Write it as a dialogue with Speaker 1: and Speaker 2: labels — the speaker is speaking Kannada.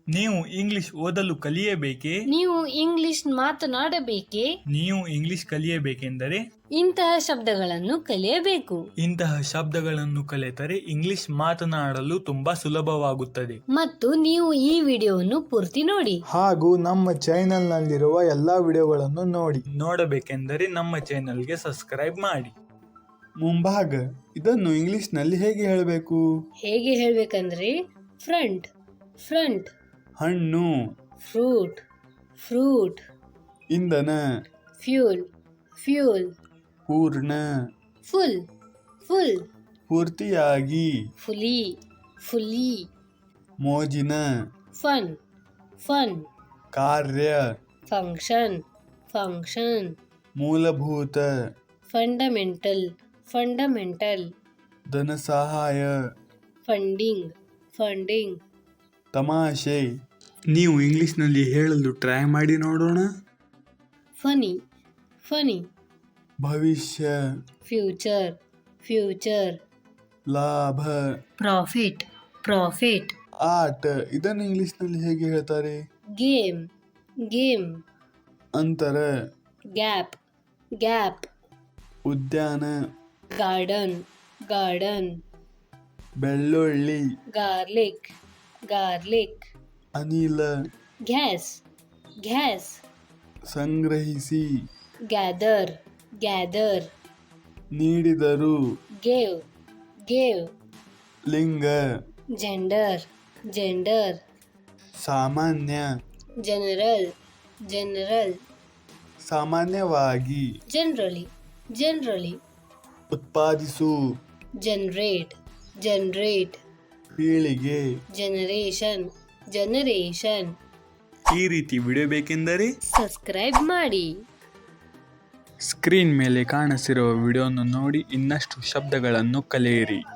Speaker 1: ನೀವು ಇಂಗ್ಲಿಷ್ ಓದಲು ಕಲಿಯಬೇಕೇ?
Speaker 2: ನೀವು ಇಂಗ್ಲಿಷ್ ಮಾತನಾಡಬೇಕೇ?
Speaker 1: ನೀವು ಇಂಗ್ಲಿಷ್ ಕಲಿಯಬೇಕೆಂದರೆ
Speaker 2: ಇಂತಹ ಶಬ್ದಗಳನ್ನು ಕಲಿಯಬೇಕು.
Speaker 1: ಇಂತಹ ಶಬ್ದಗಳನ್ನು ಕಲಿತರೆ ಇಂಗ್ಲಿಷ್ ಮಾತನಾಡಲು ತುಂಬಾ ಸುಲಭವಾಗುತ್ತದೆ.
Speaker 2: ಮತ್ತು ನೀವು ಈ ವಿಡಿಯೋವನ್ನು ಪೂರ್ತಿ ನೋಡಿ.
Speaker 3: ಹಾಗೂ ನಮ್ಮ ಚಾನೆಲ್ನಲ್ಲಿರುವ ಎಲ್ಲ ವಿಡಿಯೋಗಳನ್ನು ನೋಡಿ.
Speaker 1: ನೋಡಬೇಕೆಂದರೆ ನಮ್ಮ ಚಾನೆಲ್ಗೆ ಸಬ್ಸ್ಕ್ರೈಬ್ ಮಾಡಿ.
Speaker 3: ಮುಂಭಾಗ ಇದನ್ನು ಇಂಗ್ಲಿಷ್ನಲ್ಲಿ ಹೇಗೆ ಹೇಳಬೇಕು?
Speaker 2: ಹೇಗೆ ಹೇಳ್ಬೇಕಂದ್ರೆ ಫ್ರಂಟ್ ಫ್ರಂಟ್,
Speaker 3: ಹಣ್ಣು,
Speaker 2: ಫ್ರೂಟ್ ಫ್ರೂಟ್,
Speaker 3: ಇಂಧನ,
Speaker 2: ಫ್ಯೂಲ್ ಫ್ಯೂಲ್,
Speaker 3: ಪೂರ್ಣ,
Speaker 2: ಫುಲ್ ಫುಲ್,
Speaker 3: ಪೂರ್ತಿಯಾಗಿ,
Speaker 2: ಫುಲಿ ಫುಲ್ಲಿ,
Speaker 3: ಮೋಜಿನ,
Speaker 2: ಫನ್ ಫನ್,
Speaker 3: ಕಾರ್ಯ,
Speaker 2: ಫಂಕ್ಷನ್ ಫಂಕ್ಷನ್,
Speaker 3: ಮೂಲಭೂತ,
Speaker 2: ಫಂಡಮೆಂಟಲ್ ಫಂಡಮೆಂಟಲ್,
Speaker 3: ಧನಸಹಾಯ,
Speaker 2: ಫಂಡಿಂಗ್ ಫಂಡಿಂಗ್,
Speaker 3: ತಮಾಷೆ.
Speaker 1: ನೀವು ಇಂಗ್ಲಿಷ್ನಲ್ಲಿ ಹೇಳಲು ಟ್ರೈ ಮಾಡಿ ನೋಡೋಣ.
Speaker 2: ಫನಿ ಫನಿ,
Speaker 3: ಭವಿಷ್ಯ,
Speaker 2: ಫ್ಯೂಚರ್ ಫ್ಯೂಚರ್,
Speaker 3: ಲಾಭ,
Speaker 2: ಪ್ರಾಫಿಟ್ ಪ್ರಾಫಿಟ್,
Speaker 3: ಆಟ ಇದನ್ನು ಇಂಗ್ಲಿಷ್ನಲ್ಲಿ ಹೇಗೆ ಹೇಳ್ತಾರೆ?
Speaker 2: ಗೇಮ್ ಗೇಮ್,
Speaker 3: ಅಂತರ,
Speaker 2: ಗ್ಯಾಪ್ ಗ್ಯಾಪ್,
Speaker 3: ಉದ್ಯಾನ,
Speaker 2: ಗಾರ್ಡನ್ ಗಾರ್ಡನ್,
Speaker 3: ಬೆಳ್ಳುಳ್ಳಿ,
Speaker 2: ಗಾರ್ಲಿಕ್ ಗಾರ್ಲಿಕ್,
Speaker 3: ಅನಿಲ,
Speaker 2: ಗ್ಯಾಸ್ ಗ್ಯಾಸ್,
Speaker 3: ಸಂಗ್ರಹಿಸಿ,
Speaker 2: ಗ್ಯಾದರ್ ಗ್ಯಾದರ್,
Speaker 3: ನೀಡಿದರು,
Speaker 2: ಗೇವ್ ಗೇವ್,
Speaker 3: ಲಿಂಗ,
Speaker 2: ಜೆಂಡರ್ ಜೆಂಡರ್,
Speaker 3: ಸಾಮಾನ್ಯ,
Speaker 2: ಜನರಲ್ ಜನರಲ್,
Speaker 3: ಸಾಮಾನ್ಯವಾಗಿ,
Speaker 2: ಜನರಲಿ ಜನರಲಿ,
Speaker 3: ಉತ್ಪಾದಿಸು,
Speaker 2: ಜನರೇಟ್ ಜನರೇಟ್,
Speaker 3: ಪೀಳಿಗೆ.
Speaker 2: Generation generation.
Speaker 1: ಈ ರೀತಿ ವಿಡಿಯೋ ಬೇಕೆಂದರೆ
Speaker 2: ಸಬ್ಸ್ಕ್ರೈಬ್ ಮಾಡಿ.
Speaker 1: ಸ್ಕ್ರೀನ್ ಮೇಲೆ ಕಾಣಿಸಿರುವ ವಿಡಿಯೋವನ್ನು ನೋಡಿ ಇನ್ನಷ್ಟು ಶಬ್ದಗಳನ್ನು ಕಲಿಯಿರಿ.